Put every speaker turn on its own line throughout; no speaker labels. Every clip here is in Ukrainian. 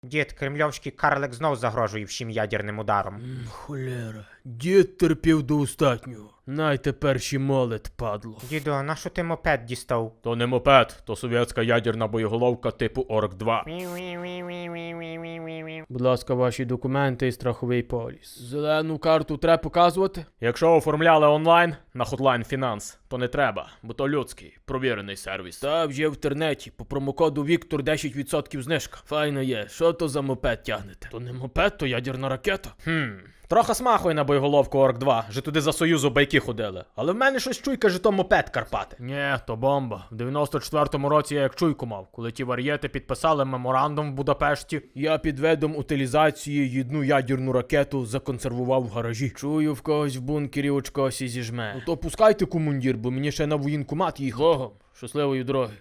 Дід, кремльовський карлик знов загрожує всім ядерним ударом.
Холера, дід терпів до остатнього. Най тепер ще молит, падло.
Діду, а нащо ти мопед дістав?
То не мопед, то совєтська ядерна боєголовка типу Орк-2. Будь ласка, ваші документи і страховий поліс. Зелену карту треба показувати? Якщо оформляли онлайн на Hotline Finance, то не треба, бо то людський, провірений сервіс. Та вже в інтернеті, по промокоду Віктор 10% знижка. Файно є, що то за мопед тягнете? То не мопед, то ядерна ракета. Трохи смахує на боєголовку Орк-2, же туди за Союзу байки ходили. Але в мене щось чуйка, що то мопед Карпати. Нє, то бомба. В 94-му році я як чуйку мав, коли ті вар'єти підписали меморандум в Будапешті. Я під видом утилізації одну ядерну ракету законсервував в гаражі. Чую, в когось в бункері очко сі зіжме. Ну то пускайте командир, бо мені ще на воєнкомат їх. Богом, щасливої дороги.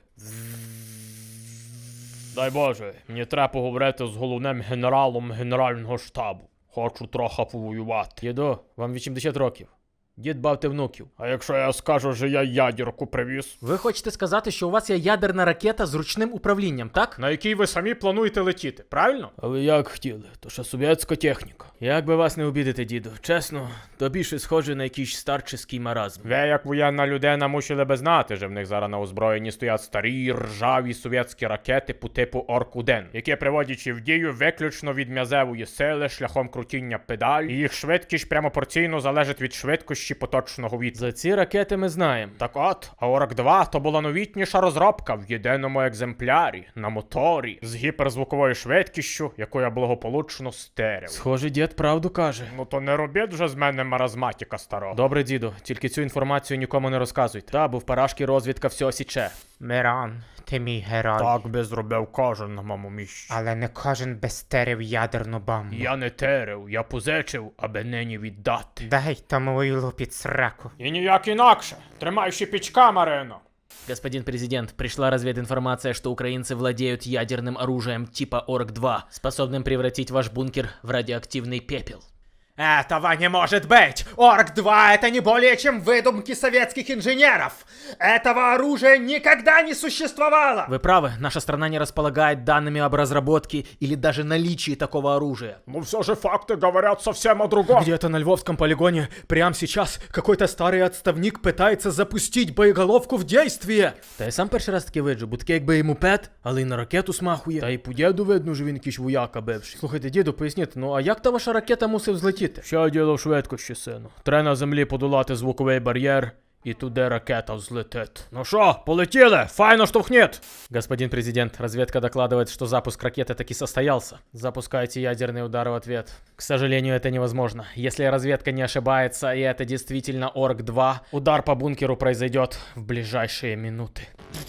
Дай Боже, мені треба поговорити з головним генералом Генерального штабу. Хочу трохи повоювати. Дідо, вам 80 років. Дід бавте внуків. А якщо я скажу, що я ядерку привіз?
Ви хочете сказати, що у вас є ядерна ракета з ручним управлінням, так?
На якій ви самі плануєте летіти, правильно? А ви як хотіли, то ще совєтська техніка. Як би вас не обідати, діду, чесно, то більше схоже на якийсь старческий маразм. Ви, як воєнна людина, мусили би знати, що в них зараз на озброєнні стоять старі, ржаві совєтські ракети по типу Орк-1, які приводячи в дію виключно від м'язевої сили шляхом крутіння педаль, і їх швидкість прямо залежить від швидкості поточного вітру. За ці ракети ми знаємо. Так от, а Орк-2 то була новітніша розробка в єдиному екземплярі, на моторі, з гіперзвуковою швидкістю, яку я благополучно стерив. Схоже, дід правду каже. Ну то не робіть вже з мене маразматика старого. Добре, діду, тільки цю інформацію нікому не розказуйте. Та, бо в парашки розвідка все січе.
Мирон, ти мій герой.
Так би зробив кожен на моєму місці.
Але не кожен би стерив ядерну бомбу.
Я не терив, я позичив, аби нині віддати.
Дай тому вилу під сраку.
І ніяк інакше. Тримай щепічка, Марино.
Господин президент, пришла развединформация, что украинцы владеют ядерным оружием типа Орк-2, способным превратить ваш бункер в радиоактивный пепел.
Этого не может быть! Орк-2 это не более чем выдумки советских инженеров! Этого оружия никогда не существовало!
Вы правы, наша страна не располагает данными об разработке или даже наличии такого оружия.
Но все же факты говорят совсем о другом.
Где-то на Львовском полигоне прямо сейчас какой-то старый отставник пытается запустить боеголовку в действие.
Та я сам перший раз таки виджу, бо таке якби і мопед, але й на ракету смахує.
Та й по діду видно, що він якийсь вояка бивший.
Слухайте, діду, поясніть, ну а як та ваша ракета мусив злетіти?
Що діло в швидкості, сину? Треба на землі подолати звуковий бар'єр, і туди ракета взлетить. Ну що, полетіли? Файно штовхніть!
Господин президент, разведка докладывает, что запуск ракеты таки состоялся. Запускайте ядерный удар в ответ. К сожалению, это невозможно. Если разведка не ошибается, и это действительно Орк-2, удар по бункеру произойдет в ближайшие минуты.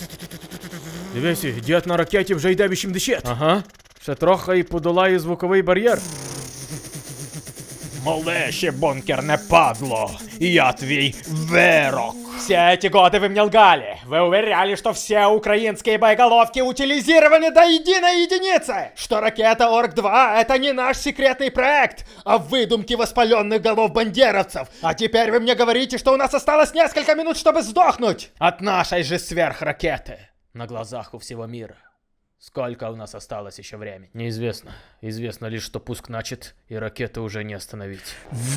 Дивись, дід на ракеті вже йде 80.
Ага.
Ще трохи і подолає звуковий бар'єр. Мале ще бункерне падло, я твій вирок.
Все эти годы вы мне лгали. Вы уверяли, что все украинские боеголовки утилизированы до единой единицы. Что ракета Орк-2 это не наш секретный проект, а выдумки воспаленных голов бандеровцев. А теперь вы мне говорите, что у нас осталось несколько минут, чтобы сдохнуть от нашей же сверхракеты.
На глазах у всего мира. Сколько у нас осталось еще времени?
Неизвестно. Известно лишь, что пуск начат, и ракеты уже не остановить.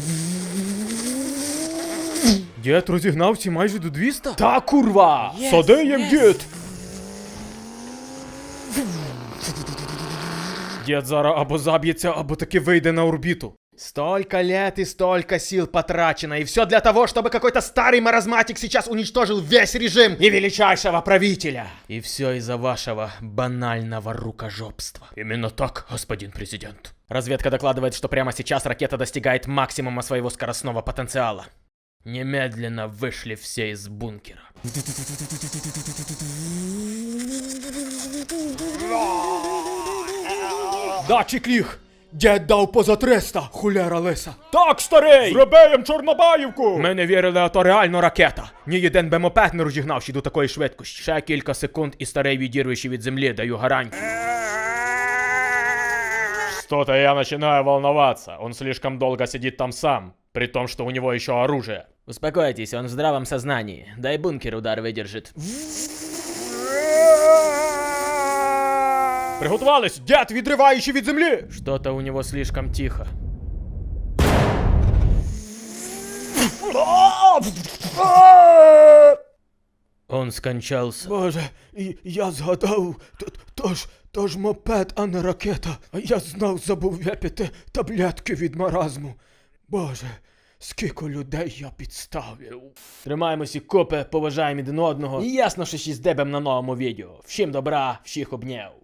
Дід розігнався майже до 200?
Та курва! Сади їм, дід! Дід зараз або заб'ється, або таки вийде на орбіту.
Столько лет и столько сил потрачено, и все для того, чтобы какой-то старый маразматик сейчас уничтожил весь режим и величайшего правителя.
И все из-за вашего банального рукожопства.
Именно так, господин президент.
Разведка докладывает, что прямо сейчас ракета достигает максимума своего скоростного потенциала. Немедленно вышли все из бункера.
Датчик ліг! Дід дав поза 300, хуляра лиса.
Так, старий! Зробиєм Чорнобаївку! Ми не вірили, а то реально ракета. Ні один би мопед не розігнавши до такої швидкості. Ще кілька секунд і старий відірвище від землі, даю гарантію. Что-то я начинаю волноваться. Он слишком долго сидит там сам, при том, что у него еще оружие.
Успокойтесь, он в здравом сознании. Дай, бункер удар выдержит.
Приготувались! Дед, відриваючи від землі!
Что-то у него слишком тихо. Он скончался.
Боже, я згадав, то ж мопед, а не ракета. А я знов забув випити таблетки від маразму. Боже, скільки людей я підставив.
Тримаємося купи, поважаємо один одного. І ясно, що ще здебем на новому відео. Всім добра, всіх обняв.